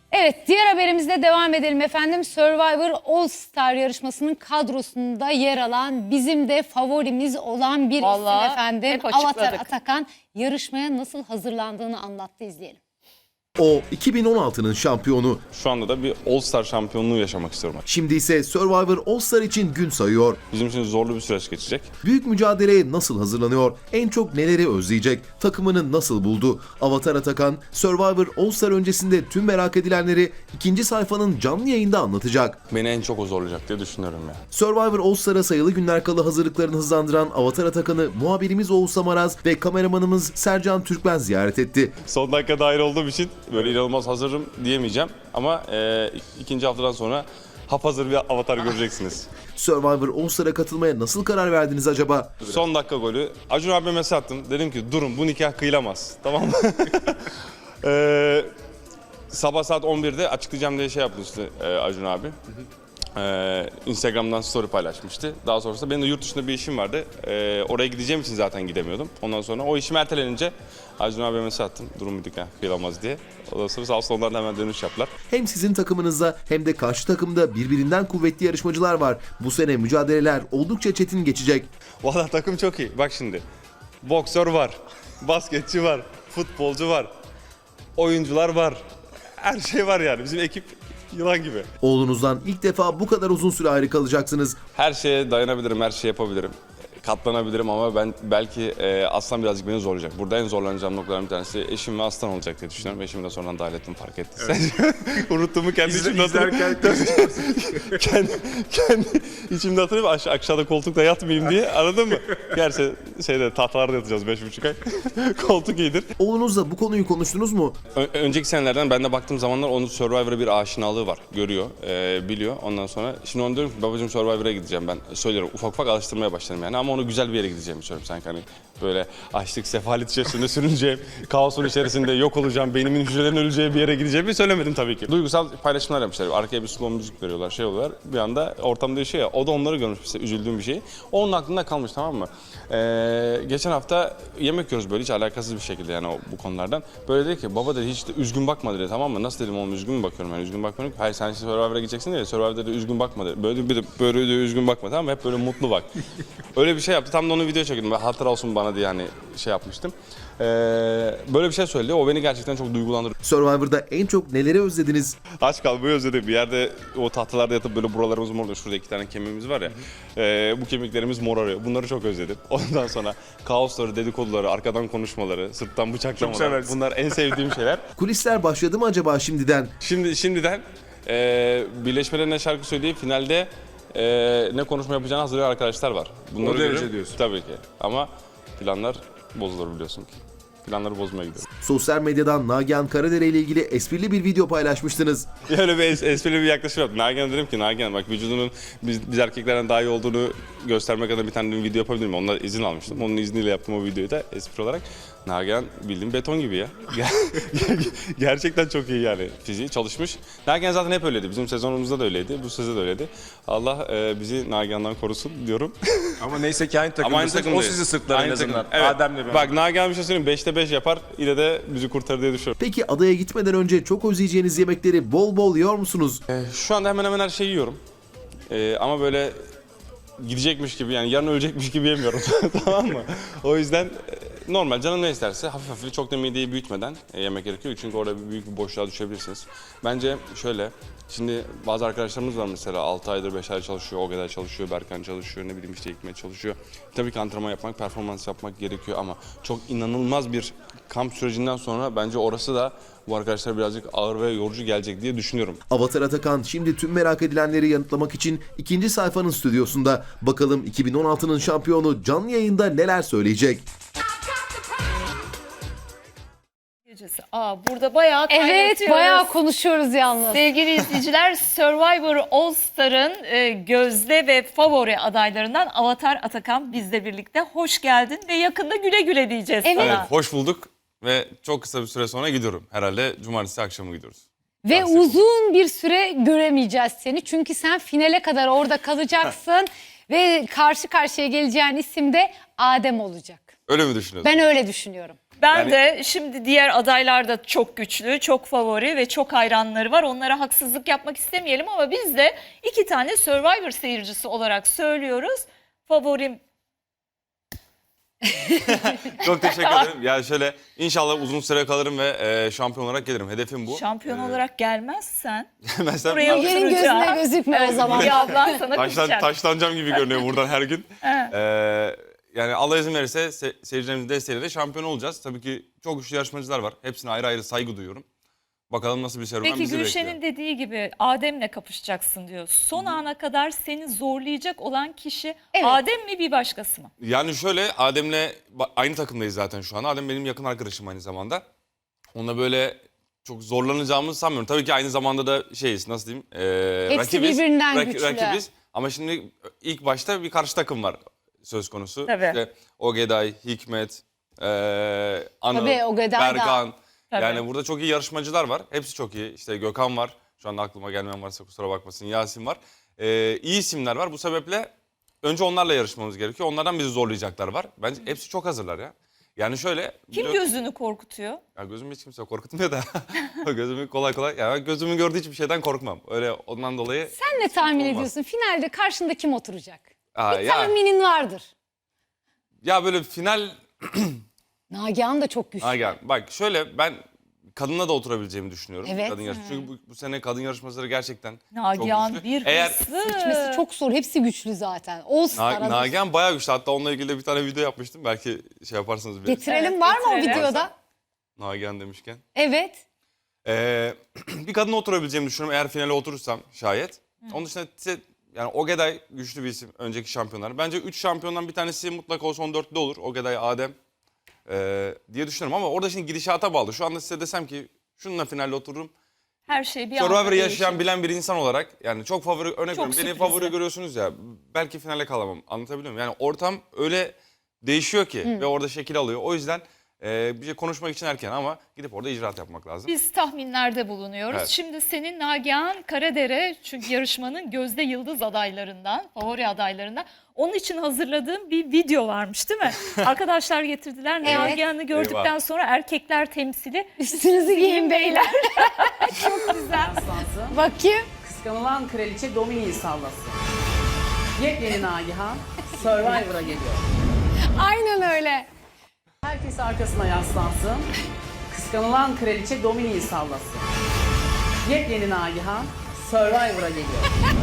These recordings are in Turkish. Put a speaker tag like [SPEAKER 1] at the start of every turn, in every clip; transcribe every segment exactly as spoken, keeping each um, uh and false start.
[SPEAKER 1] Evet, diğer haberimizle devam edelim efendim. Survivor All Star yarışmasının kadrosunda yer alan, bizim de favorimiz olan bir
[SPEAKER 2] Vallahi
[SPEAKER 1] isim efendim.
[SPEAKER 2] hep
[SPEAKER 1] Avatar
[SPEAKER 2] açıkladık.
[SPEAKER 1] Atakan yarışmaya nasıl hazırlandığını anlattı, izleyelim.
[SPEAKER 3] O iki bin on altının şampiyonu.
[SPEAKER 4] Şu anda da bir All Star şampiyonluğu yaşamak istiyorum.
[SPEAKER 3] Şimdi ise Survivor All Star için gün sayıyor.
[SPEAKER 4] Bizim için zorlu bir süreç geçecek.
[SPEAKER 3] Büyük mücadeleye nasıl hazırlanıyor? En çok neleri özleyecek? Takımını nasıl buldu? Avatar Atakan, Survivor All Star öncesinde tüm merak edilenleri ikinci sayfanın canlı yayında anlatacak.
[SPEAKER 4] Beni en çok o zorlayacak diye düşünüyorum ya.
[SPEAKER 3] Survivor All Star'a sayılı günler kala hazırlıklarını hızlandıran Avatar Atakan'ı muhabirimiz Oğuz Samaraz ve kameramanımız Sercan Türkmen ziyaret etti.
[SPEAKER 4] Son dakika dahil olduğum için böyle inanılmaz hazırım diyemeyeceğim. Ama e, ikinci haftadan sonra hapazır bir avatar göreceksiniz.
[SPEAKER 3] Survivor All Star'a katılmaya nasıl karar verdiniz acaba?
[SPEAKER 4] Son dakika golü. Acun abime mesaj attım. Dedim ki durun, bu nikah kıyılamaz. Tamam mı? e, sabah saat on birde açıklayacağım diye şey yapmıştı e, Acun abi. Ee, Instagram'dan story paylaşmıştı. Daha sonrasında benim de yurt dışında bir işim vardı. Ee, oraya gideceğim için zaten gidemiyordum. Ondan sonra o işim ertelenince Acun abiye mesaj attım. Durum bir nikah kıyılamaz diye. Ondan sonra sağ olsun onlar da hemen dönüş yaptılar.
[SPEAKER 3] Hem sizin takımınızda hem de karşı takımda birbirinden kuvvetli yarışmacılar var. Bu sene mücadeleler oldukça çetin geçecek.
[SPEAKER 4] Valla takım çok iyi. Bak şimdi. Boksör var. Basketçi var. Futbolcu var. Oyuncular var. Her şey var yani. Bizim ekip yılan gibi.
[SPEAKER 3] Oğlunuzdan ilk defa bu kadar uzun süre ayrı kalacaksınız.
[SPEAKER 4] Her şeye dayanabilirim, her şeyi yapabilirim. Katlanabilirim ama ben belki e, Aslan birazcık beni zorlayacak. Burada en zorlanacağım noktalardan bir tanesi eşim ve Aslan olacak diye düşünüyorum. Eşimi de sonradan dahil ettim, fark ettim. Evet. Unuttuğumu kendi içimde hatırlıyorum. kendi, kendi içimde hatırlıyorum. Aş aşağıda koltukta yatmayayım diye, anladın mı? Gerçi şeyde tahtalarda yatacağız beş buçuk ay. Koltuk iyidir.
[SPEAKER 3] Oğlunuzla bu konuyu konuştunuz mu?
[SPEAKER 4] Ö önceki senelerden ben de baktığım zamanlar onun Survivor'a bir aşinalığı var. Görüyor, e, biliyor. Ondan sonra şimdi onu diyorum ki babacığım Survivor'a gideceğim ben. Söylüyorum, ufak ufak alıştırmaya başladım yani ama onu güzel bir yere gideceğimi söylüyorum sanki, hani böyle açlık, sefalet içerisinde sürüneceğim, kaosun içerisinde yok olacağım, beynimin hücrelerin öleceği bir yere gideceğimi söylemedim tabii ki. Duygusal paylaşımlar yapmışlar. Arkaya bir slow müzik veriyorlar, şey oluyorlar. Bir anda ortam değişiyor ya. O da onları görmüş, işte üzüldüğüm bir şey. O onun aklında kalmış, tamam mı? Ee, geçen hafta yemek yiyoruz böyle hiç alakasız bir şekilde yani o, bu konulardan. Böyle dedi ki baba dedi hiç de üzgün bakma dedi, tamam mı? Nasıl dedim oğlum, üzgün mü bakıyorum yani, üzgün bakmıyorum. Hayır sen Survivor'a gideceksin diye, Survivor'da dedi üzgün bakma dedi. Böyle bir de böyle de üzgün bakma, tamam mı? Hep böyle mutlu bak. Öyle bir şey yaptı. Tam da onu video çektim. Ben hatıra olsun bana diye hani şey yapmıştım. Ee, böyle bir şey söyledi. O beni gerçekten çok duygulandırdı.
[SPEAKER 3] Survivor'da en çok neleri özlediniz?
[SPEAKER 4] Aç kalmayı özledim. Bir yerde o tahtalarda yatıp böyle buralarımız mor oluyor. Şurada iki tane kemiğimiz var ya. E, bu kemiklerimiz morarıyor. Bunları çok özledim. Ondan sonra kaosları, dedikoduları, arkadan konuşmaları, sırttan bıçaklamalar. Bunlar en sevdiğim şeyler.
[SPEAKER 3] Kulisler başladı mı acaba şimdiden?
[SPEAKER 4] Şimdi şimdiden e, birleşmelerine şarkı söyleyip finalde e, ne konuşma yapacağını hazırlayan arkadaşlar var. Bunları
[SPEAKER 5] O derece
[SPEAKER 4] görüyorum.
[SPEAKER 5] diyorsun.
[SPEAKER 4] Tabii ki. Ama planlar bozulur biliyorsun ki. Planları bozmaya gidiyorum.
[SPEAKER 3] Sosyal medyadan Nagihan Karadere ile ilgili esprili bir video paylaşmıştınız.
[SPEAKER 4] Öyle bir es esprili bir yaklaşım yaptım. Nagihan dedim ki Nagihan bak vücudunun biz, biz erkeklerden daha iyi olduğunu göstermek adına bir tane bir video yapabilir miyim? Ondan izin almıştım. Onun izniyle yaptım o videoyu da espri olarak. Nagihan bildiğin beton gibi ya. Gerçekten çok iyi yani fiziği çalışmış. Nagihan zaten hep öyleydi. Bizim sezonumuzda da öyleydi. Bu sezonda da öyleydi. Allah e, bizi Nagihan'dan korusun diyorum.
[SPEAKER 5] Ama neyse ki aynı takımdasınız. O sizi sırtlar en azından.
[SPEAKER 4] Evet.
[SPEAKER 5] Adem'le ben.
[SPEAKER 4] Bak Nagihan bir şey söyleyeyim. beşte beş yapar. Yine de bizi kurtarır diye düşünüyorum.
[SPEAKER 3] Peki adaya gitmeden önce çok özleyeceğiniz yemekleri bol bol yiyor musunuz?
[SPEAKER 4] E, şu anda hemen hemen her şeyi yiyorum. E, ama böyle gidecekmiş gibi yani yarın ölecekmiş gibi yemiyorum. Tamam mı? O yüzden e, normal canım ne isterse hafif hafif çok da mideyi büyütmeden e, yemek gerekiyor. Çünkü orada bir büyük bir boşluğa düşebilirsiniz. Bence şöyle, şimdi bazı arkadaşlarımız var mesela altı aydır beş ay çalışıyor, o kadar çalışıyor, Berkan çalışıyor, ne bileyim işte Hikmet çalışıyor. Tabii ki antrenman yapmak, performans yapmak gerekiyor ama çok inanılmaz bir kamp sürecinden sonra bence orası da bu arkadaşlar birazcık ağır ve yorucu gelecek diye düşünüyorum.
[SPEAKER 3] Avatar Atakan şimdi tüm merak edilenleri yanıtlamak için ikinci sayfanın stüdyosunda. Bakalım iki bin on altının şampiyonu canlı yayında neler söyleyecek?
[SPEAKER 2] Aa, burada bayağı
[SPEAKER 1] Evet,
[SPEAKER 2] kaynatıyoruz.
[SPEAKER 1] bayağı konuşuyoruz yalnız.
[SPEAKER 2] Sevgili izleyiciler, Survivor All Star'ın e, gözde ve favori adaylarından Avatar Atakan bizle birlikte. Hoş geldin ve yakında güle güle diyeceğiz
[SPEAKER 1] Evet.
[SPEAKER 4] Evet,
[SPEAKER 2] sana.
[SPEAKER 4] hoş bulduk ve çok kısa bir süre sonra gidiyorum. Herhalde cumartesi akşamı gidiyoruz.
[SPEAKER 1] Ve uzun bir süre göremeyeceğiz seni. Çünkü sen finale kadar orada kalacaksın. Ve karşı karşıya geleceğin isim de Adem olacak.
[SPEAKER 4] Öyle mi düşünüyorsun?
[SPEAKER 1] Ben öyle düşünüyorum.
[SPEAKER 2] Ben
[SPEAKER 4] Yani-
[SPEAKER 2] de şimdi diğer adaylar da çok güçlü, çok favori ve çok hayranları var. Onlara haksızlık yapmak istemeyelim ama biz de iki tane Survivor seyircisi olarak söylüyoruz. Favorim
[SPEAKER 4] Çok teşekkür ederim. Yani şöyle inşallah uzun süre kalırım ve e, şampiyon olarak gelirim. Hedefim bu.
[SPEAKER 2] şampiyon
[SPEAKER 4] Ee,
[SPEAKER 2] olarak gelmezsen
[SPEAKER 4] Mesela
[SPEAKER 2] buraya
[SPEAKER 1] Yerin
[SPEAKER 2] oturacağım.
[SPEAKER 1] gözüne gözükme o zaman.
[SPEAKER 2] Bir ablan sana
[SPEAKER 4] taşlan,
[SPEAKER 2] kızacak.
[SPEAKER 4] taşlanacağım gibi görünüyor buradan her gün.
[SPEAKER 2] Evet.
[SPEAKER 4] Ee, yani Allah izin verirse se- seyircilerimizin desteğiyle de şampiyon olacağız. Tabii ki çok güçlü yarışmacılar var. Hepsine ayrı ayrı saygı duyuyorum. Bakalım nasıl bir serüven
[SPEAKER 2] Peki
[SPEAKER 4] bizi
[SPEAKER 2] Gülşen'in
[SPEAKER 4] bekliyor.
[SPEAKER 2] dediği gibi Adem'le kapışacaksın diyor. Son ana kadar seni zorlayacak olan kişi
[SPEAKER 1] Evet.
[SPEAKER 2] Adem mi bir başkası mı?
[SPEAKER 4] Yani şöyle Adem'le ba- aynı takımdayız zaten şu an. Adem benim yakın arkadaşım aynı zamanda. Onunla böyle çok zorlanacağımızı sanmıyorum. Tabii ki aynı zamanda da şeyiz nasıl diyeyim. ee,
[SPEAKER 1] Hepsi birbirinden güçlü.
[SPEAKER 4] Rakibiz ama şimdi ilk başta bir karşı takım var söz konusu.
[SPEAKER 2] Tabii.
[SPEAKER 4] İşte Ogeday, Hikmet, ee, Anıl,
[SPEAKER 1] Tabii, Ogeday da.
[SPEAKER 4] Berkan.
[SPEAKER 2] Tabii.
[SPEAKER 4] Yani burada çok iyi yarışmacılar var. Hepsi çok iyi. İşte Gökhan var. Şu anda aklıma gelmeyen varsa kusura bakmasın. Yasin var. Ee, iyi isimler var. Bu sebeple önce onlarla yarışmamız gerekiyor. Onlardan bizi zorlayacaklar var. Bence hepsi çok hazırlar ya. Yani şöyle...
[SPEAKER 2] Kim
[SPEAKER 4] gö-
[SPEAKER 2] gözünü korkutuyor?
[SPEAKER 4] Ya gözümü hiç kimse korkutmuyor da. Gözümü kolay kolay... Ya ben gözümün gördüğü hiçbir şeyden korkmam. Öyle ondan dolayı...
[SPEAKER 1] Sen ne tahmin
[SPEAKER 4] Olmaz.
[SPEAKER 1] ediyorsun? Finalde karşında kim oturacak?
[SPEAKER 4] Aa,
[SPEAKER 1] Bir
[SPEAKER 4] ya,
[SPEAKER 1] tahminin vardır.
[SPEAKER 4] ya böyle final...
[SPEAKER 1] Nagihan da çok güçlü.
[SPEAKER 4] Ha, gel. Bak şöyle ben kadınla da oturabileceğimi düşünüyorum.
[SPEAKER 1] Evet.
[SPEAKER 4] Kadın yarış... Çünkü bu, bu sene kadın yarışmacıları gerçekten
[SPEAKER 2] Nagihan
[SPEAKER 4] çok güçlü.
[SPEAKER 2] bir
[SPEAKER 4] Eğer
[SPEAKER 2] hırslı.
[SPEAKER 1] Seçmesi çok zor. Hepsi güçlü zaten. All Star
[SPEAKER 4] Na-
[SPEAKER 1] hazır.
[SPEAKER 4] Nagihan bayağı güçlü. Hatta onunla ilgili de bir tane video yapmıştım. Belki şey yaparsınız bile.
[SPEAKER 1] Getirelim
[SPEAKER 2] Evet,
[SPEAKER 1] var mı o
[SPEAKER 2] getirelim.
[SPEAKER 1] videoda?
[SPEAKER 4] Nagihan demişken.
[SPEAKER 1] Evet.
[SPEAKER 4] Ee, bir kadınla oturabileceğimi düşünüyorum eğer finale oturursam şayet. Onun dışında ise- yani Ogeday güçlü bir isim önceki şampiyonlar. Bence üç şampiyondan bir tanesi mutlaka o son dörtlü olur. Ogeday, Adem ee, diye düşünüyorum ama orada şimdi gidişata bağlı. Şu anda size desem ki şununla finalde otururum.
[SPEAKER 2] Her şey bir anda
[SPEAKER 4] Survivor'ı
[SPEAKER 2] değişiyor.
[SPEAKER 4] yaşayan bilen bir insan olarak yani çok favori örnek
[SPEAKER 2] Çok
[SPEAKER 4] veriyorum. Beni
[SPEAKER 2] sürprizli.
[SPEAKER 4] favori görüyorsunuz ya belki finale kalamam anlatabiliyor muyum? Yani ortam öyle değişiyor ki ve orada şekil alıyor. O yüzden e, bir şey konuşmak için erken ama gidip orada icraat yapmak lazım.
[SPEAKER 2] Biz tahminlerde bulunuyoruz.
[SPEAKER 4] Evet.
[SPEAKER 2] Şimdi senin Nagihan Karadere çünkü yarışmanın gözde yıldız adaylarından, favori adaylarından. Onun için hazırladığım bir video varmış değil mi? Arkadaşlar getirdiler.
[SPEAKER 1] Evet.
[SPEAKER 2] Nagihan'ı gördükten
[SPEAKER 4] Eyvah.
[SPEAKER 2] sonra erkekler temsili.
[SPEAKER 1] Üstünüzü giyin beyler.
[SPEAKER 6] Aslansın.
[SPEAKER 1] Bakayım.
[SPEAKER 6] Kıskanılan kraliçe Domini'yi sallasın. Yepyeni Nagihan Survivor'a geliyor.
[SPEAKER 1] Aynen öyle.
[SPEAKER 6] Herkes arkasına yaslansın. Kıskanılan kraliçe Domini'yi sallasın. Yepyeni Nagihan Survivor'a geliyor.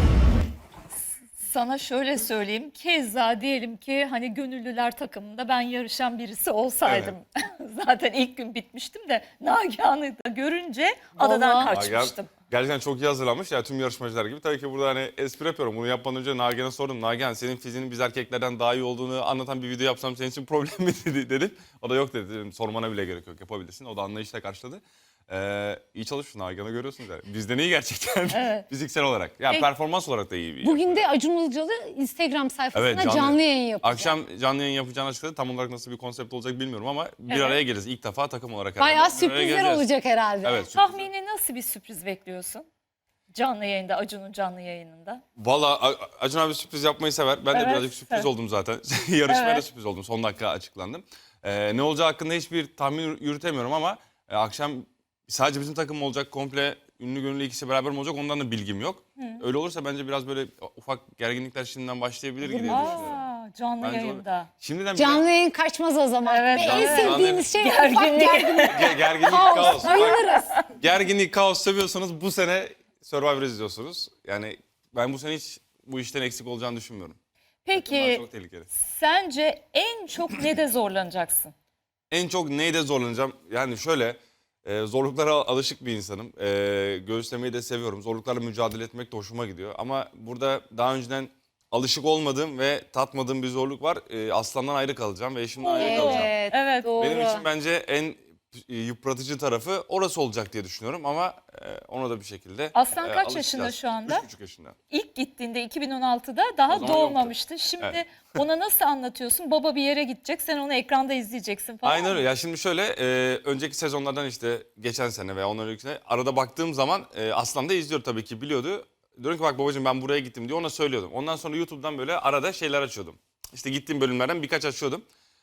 [SPEAKER 2] Sana şöyle söyleyeyim. Keza diyelim ki hani gönüllüler takımında ben yarışan birisi olsaydım. Zaten ilk gün bitmiştim de Nagihan'ı da görünce adadan
[SPEAKER 1] Vallahi.
[SPEAKER 2] kaçmıştım.
[SPEAKER 4] Gerçekten çok iyi hazırlanmış ya tüm yarışmacılar gibi. Tabii ki burada hani espri yapıyorum. Bunu yapmadan önce Nagihan'a sordum. Nagihan senin fiziğinin biz erkeklerden daha iyi olduğunu anlatan bir video yapsam senin için problem mi dedi, dedim. O da yok dedi. Dedim, sormana bile gerek yok yapabilirsin. O da anlayışla karşıladı. Ee, iyi çalışmışsın Nagihan'ı görüyorsunuz yani. Bizden iyi gerçekten fiziksel olarak. Ya
[SPEAKER 2] Peki.
[SPEAKER 4] performans olarak da iyi bir
[SPEAKER 1] Bugün de Acun Ilıcalı Instagram sayfasına
[SPEAKER 4] Evet,
[SPEAKER 1] canlı,
[SPEAKER 4] canlı.
[SPEAKER 1] yayın yapacak.
[SPEAKER 4] Akşam canlı yayın yapacağını açıkladı. Tam olarak nasıl bir konsept olacak bilmiyorum ama bir
[SPEAKER 2] Evet.
[SPEAKER 4] araya geliriz. İlk defa takım olarak.
[SPEAKER 1] Bayağı
[SPEAKER 4] herhalde. Bir araya
[SPEAKER 1] sürprizler
[SPEAKER 4] geleceğiz.
[SPEAKER 1] olacak herhalde.
[SPEAKER 4] Evet. sürprizler.
[SPEAKER 2] Tahmini nasıl bir sürpriz bekliyorsun? Canlı yayında, Acun'un canlı yayınında.
[SPEAKER 4] Valla A- Acun abi sürpriz yapmayı sever. Ben de
[SPEAKER 2] Evet,
[SPEAKER 4] birazcık sürpriz
[SPEAKER 2] evet.
[SPEAKER 4] oldum zaten. Yarışmaya da
[SPEAKER 2] Evet.
[SPEAKER 4] sürpriz oldum. Son dakika açıklandım. Ee, ne olacağı hakkında hiçbir tahmin yürütemiyorum ama e, akşam sadece bizim takım mı olacak, komple ünlü gönüllü ikisi beraber mi olacak ondan da bilgim yok. Öyle olursa bence biraz böyle ufak gerginlikler şimdiden başlayabilir gibi düşünüyorum.
[SPEAKER 2] Aa, canlı
[SPEAKER 4] Bence
[SPEAKER 2] yayında.
[SPEAKER 4] Şimdiden bir
[SPEAKER 1] Canlı yayın kaçmaz o zaman.
[SPEAKER 2] Evet,
[SPEAKER 1] Ve
[SPEAKER 2] canlı
[SPEAKER 1] en
[SPEAKER 2] yayın.
[SPEAKER 1] sevdiğimiz şey
[SPEAKER 2] Gerginlik.
[SPEAKER 1] ufak gerginlik.
[SPEAKER 4] ge- gerginlik,
[SPEAKER 1] Kaos.
[SPEAKER 4] kaos. Bak,
[SPEAKER 1] Bayılırız.
[SPEAKER 4] gerginlik, kaos seviyorsanız bu sene Survivor izliyorsunuz. Yani ben bu sene hiç bu işten eksik olacağını düşünmüyorum. Bunlar
[SPEAKER 2] Peki
[SPEAKER 4] çok tehlikeli.
[SPEAKER 2] sence en çok ne de zorlanacaksın?
[SPEAKER 4] En çok neyde zorlanacağım? Yani şöyle e, zorluklara alışık bir insanım. E, göğüslemeyi de seviyorum. Zorluklarla mücadele etmek de hoşuma gidiyor. Ama burada daha önceden alışık olmadığım ve tatmadığım bir zorluk var. E, aslandan ayrı kalacağım ve eşimden ayrı kalacağım.
[SPEAKER 1] Evet,
[SPEAKER 2] Evet.
[SPEAKER 1] doğru.
[SPEAKER 4] Benim için bence en e, yıpratıcı tarafı orası olacak diye düşünüyorum ama e, ona da bir şekilde
[SPEAKER 2] Aslan
[SPEAKER 4] e,
[SPEAKER 2] kaç
[SPEAKER 4] alışacağız.
[SPEAKER 2] yaşında şu anda?
[SPEAKER 4] Üç buçuk yaşında.
[SPEAKER 2] İlk gittiğinde iki bin on altıda daha
[SPEAKER 4] O zaman
[SPEAKER 2] doğmamıştı. Şimdi
[SPEAKER 4] Evet.
[SPEAKER 2] ona nasıl anlatıyorsun? Baba bir yere gidecek, sen onu ekranda izleyeceksin falan.
[SPEAKER 4] Aynen öyle. Ya şimdi şöyle e, önceki sezonlardan işte geçen sene veya ondan önceki sene arada baktığım zaman e, Aslan da izliyor tabii ki biliyordu. Diyorum ki bak babacığım ben buraya gittim diye ona söylüyordum. Ondan sonra YouTube'dan böyle arada şeyler açıyordum. İşte gittiğim bölümlerden birkaç açıyordum.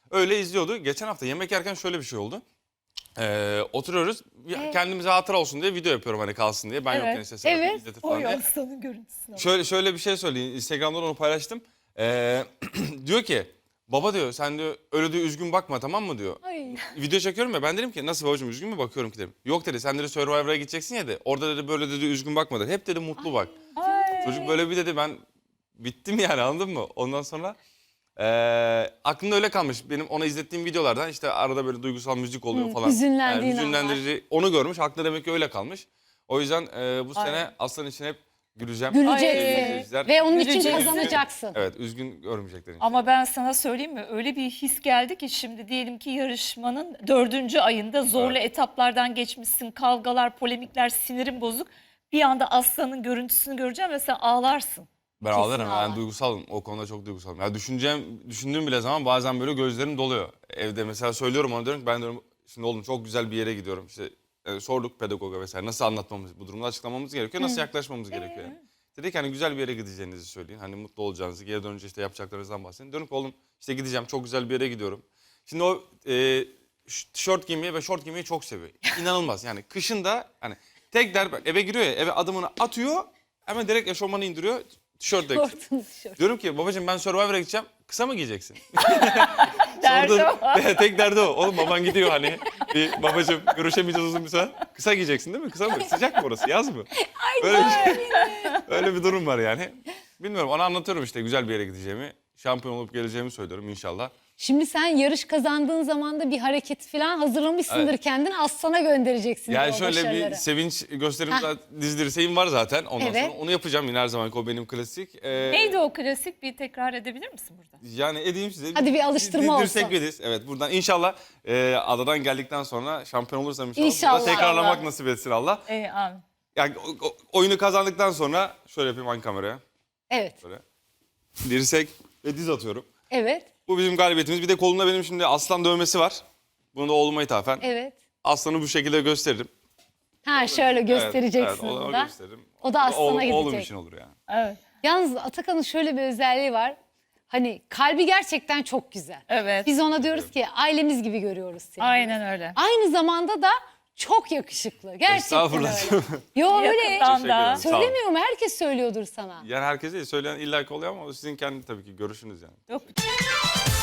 [SPEAKER 4] Öyle izliyordu. Geçen hafta yemek yerken şöyle bir şey oldu. Ee, oturuyoruz. Ya kendimize hatıra olsun diye video yapıyorum hani kalsın diye. Ben
[SPEAKER 2] Evet.
[SPEAKER 4] yokken işte Serap
[SPEAKER 1] Evet.
[SPEAKER 4] izletir
[SPEAKER 2] O
[SPEAKER 4] falan diye.
[SPEAKER 2] aslanın görüntüsüne bak.
[SPEAKER 4] Şöyle şöyle bir şey söyleyeyim. Instagram'dan onu paylaştım. Ee, diyor ki baba diyor sen diyor öyle diyor üzgün bakma tamam mı diyor.
[SPEAKER 1] Ay.
[SPEAKER 4] Video çekiyorum ya ben dedim ki nasıl babacığım üzgün mü bakıyorum ki dedim. Yok dedi sen dedi Survivor'a gideceksin ya de orada dedi böyle dedi üzgün bakma dedi. Hep dedi mutlu bak. Çocuk böyle bir dedi ben bittim yani anladın mı? Ondan sonra eee aklımda öyle kalmış. Benim ona izlettiğim videolardan işte arada böyle duygusal müzik oluyor falan.
[SPEAKER 1] hüzünlendiğin
[SPEAKER 4] Yani hüzünlendirici onu görmüş. Aklında demek ki öyle kalmış. O yüzden eee, bu sene Aslan için hep güleceğim.
[SPEAKER 1] Güleceksin.
[SPEAKER 4] Sevgili izleyiciler.
[SPEAKER 1] Ve onun için
[SPEAKER 2] Güleceksin.
[SPEAKER 1] kazanacaksın.
[SPEAKER 4] Evet üzgün görmeyecekler için.
[SPEAKER 2] Ama ben sana söyleyeyim mi? Öyle bir his geldi ki şimdi diyelim ki yarışmanın dördüncü ayında zorlu etaplardan geçmişsin. Kavgalar, polemikler, sinirin bozuk. Bir anda aslanın görüntüsünü göreceğim ve sen ağlarsın.
[SPEAKER 4] Ben ağlarım.
[SPEAKER 1] ağlar.
[SPEAKER 4] Ben duygusalım. O konuda çok duygusalım. Ya düşüneceğim, düşündüğüm bile zaman bazen böyle gözlerim doluyor. Evde mesela söylüyorum ona diyorum ki ben diyorum şimdi oğlum çok güzel bir yere gidiyorum. İşte e, sorduk pedagoga vesaire nasıl anlatmamız, bu durumda açıklamamız gerekiyor, nasıl yaklaşmamız gerekiyor yani. Dedi ki hani güzel bir yere gideceğinizi söyleyin. Hani mutlu olacağınızı, geri dönünce işte yapacaklarınızdan bahsedin. Diyorum ki oğlum işte gideceğim çok güzel bir yere gidiyorum. Şimdi o e, ş- tişört giymeyi ve şort giymeyi çok seviyor. İnanılmaz yani kışın da hani tek der eve giriyor ya eve adımını atıyor hemen direkt eşofmanı indiriyor. Tişört de.
[SPEAKER 1] Şortun tişört.
[SPEAKER 4] Diyorum ki babacığım ben Survivor'a gideceğim. Kısa mı giyeceksin?
[SPEAKER 2] Derdi
[SPEAKER 4] Sordum.
[SPEAKER 2] o.
[SPEAKER 4] Tek derdi o. Oğlum baban gidiyor hani. Bir babacığım görüşemeyeceğiz uzun bir süre. Kısa giyeceksin değil mi? Kısa mı? Sıcak mı orası? Yaz mı? Öyle bir, şey- öyle bir durum var yani. Bilmiyorum ona anlatıyorum işte güzel bir yere gideceğimi. Şampiyon olup geleceğimi söylüyorum inşallah.
[SPEAKER 1] Şimdi sen yarış kazandığın zaman da bir hareket falan hazırlamışsındır
[SPEAKER 4] Evet.
[SPEAKER 1] kendini Aslan'a göndereceksin.
[SPEAKER 4] Yani
[SPEAKER 1] o
[SPEAKER 4] şöyle bir
[SPEAKER 1] başarıları.
[SPEAKER 4] sevinç gösterim
[SPEAKER 1] Heh.
[SPEAKER 4] dizdirseğim var zaten. Ondan
[SPEAKER 1] Evet.
[SPEAKER 4] sonra onu yapacağım yine her zaman o benim klasik. Ee,
[SPEAKER 2] Neydi o klasik? Bir tekrar edebilir misin burada?
[SPEAKER 4] Yani edeyim size.
[SPEAKER 1] Hadi bir alıştırma
[SPEAKER 4] Dirsek
[SPEAKER 1] olsun.
[SPEAKER 4] ve diz. Evet buradan inşallah e, adadan geldikten sonra şampiyon olursam inşallah.
[SPEAKER 1] İnşallah.
[SPEAKER 4] Burada tekrarlamak
[SPEAKER 2] Allah.
[SPEAKER 4] nasip etsin Allah.
[SPEAKER 2] Ee, amin.
[SPEAKER 4] Yani o- o- oyunu kazandıktan sonra şöyle yapayım hangi kameraya.
[SPEAKER 1] Evet.
[SPEAKER 4] Böyle. Dirsek ve diz atıyorum.
[SPEAKER 1] Evet.
[SPEAKER 4] Bu bizim galibiyetimiz. Bir de kolunda benim şimdi aslan dövmesi var. Bunu da oğluma ithafen.
[SPEAKER 1] Evet.
[SPEAKER 4] Aslanı bu şekilde gösteririm.
[SPEAKER 1] Ha şöyle göstereceksin
[SPEAKER 4] Evet, evet,
[SPEAKER 1] onu
[SPEAKER 4] onu
[SPEAKER 1] da.
[SPEAKER 4] gösteririm.
[SPEAKER 1] O da aslana
[SPEAKER 4] Oğlum- Oğlum
[SPEAKER 1] gidecek.
[SPEAKER 4] için olur yani.
[SPEAKER 2] Evet.
[SPEAKER 1] Yalnız Atakan'ın şöyle bir özelliği var. Hani kalbi gerçekten çok güzel.
[SPEAKER 2] Evet.
[SPEAKER 1] Biz ona diyoruz ki ailemiz gibi görüyoruz seni.
[SPEAKER 2] Aynen öyle.
[SPEAKER 1] Aynı zamanda da çok yakışıklı. Gerçekten
[SPEAKER 4] Estağfurullah.
[SPEAKER 1] öyle. Yo öyle.
[SPEAKER 2] Yakından
[SPEAKER 4] Teşekkür
[SPEAKER 2] da.
[SPEAKER 4] ederim. Sağ olun.
[SPEAKER 1] Söylemiyorum herkes söylüyordur sana.
[SPEAKER 4] Yani herkes değil söyleyen illa ki oluyor ama o sizin kendi tabii ki görüşünüz yani.
[SPEAKER 2] Yok.